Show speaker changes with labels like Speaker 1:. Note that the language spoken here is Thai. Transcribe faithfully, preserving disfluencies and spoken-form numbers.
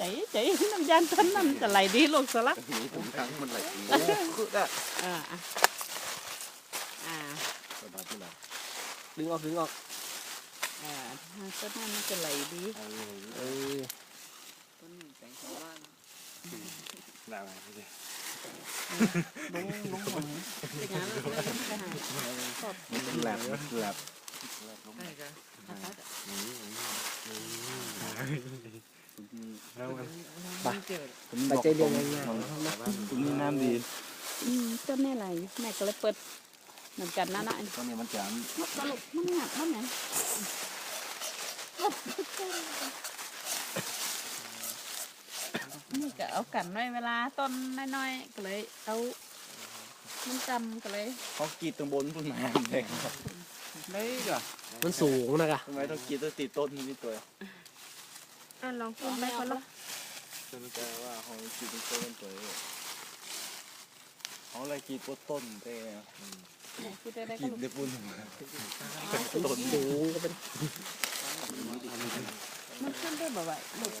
Speaker 1: ใจใจน้ำยานต้นนั้นจะไหลดีลูกสลัก
Speaker 2: มีถุงทั้งมันไหลดี
Speaker 3: คือได้
Speaker 1: อ่าอ่า
Speaker 2: สบายที่ไหน
Speaker 3: ดึงออกดึงออก
Speaker 1: อ่าต้นนั้นมันจะไหลดี
Speaker 3: เออ
Speaker 4: ต้นหนึ่งแสงชาวบ้าน
Speaker 2: ได้ไหมพี่เจ้
Speaker 1: ลงลงหมดเป็นงานแล้วไปหาชอบ
Speaker 2: มันแหลบมันแหลบ
Speaker 4: ใช่กัน
Speaker 2: แล้วมัน
Speaker 4: ไม่เจอ
Speaker 3: ปัจจัยเดียวกันไง
Speaker 2: ตรงนี้น้ำดี
Speaker 1: อืมต้นนี่ไหลแม่ก็เลยเปิดเหมือนกันนะนะ
Speaker 2: ตอนนี้มันจะ
Speaker 1: มันตลกมันหนักมันไหนนี่ก็เอากันไว้เวลาต้นน้อยๆก็เลยเอามันจำก็เลย
Speaker 2: เขากีดตรงบนต้นไม้แดงไม่ก่ะ
Speaker 3: มันสูงนะกะ
Speaker 2: ทำไมต้องกีดต้องติดต้นนี่ตัว
Speaker 1: อ่ะลองกินไปคนละ
Speaker 2: จนแต่ว่าเขากีดตรงต้นตัวเขาอะไรกีดต้นเต้
Speaker 1: คิดได้ได้ก็
Speaker 2: กีด
Speaker 1: ลูก
Speaker 2: ได้ปุ่น
Speaker 3: สูงก็เป็น
Speaker 1: มันขึ้นได้บ่อยลูก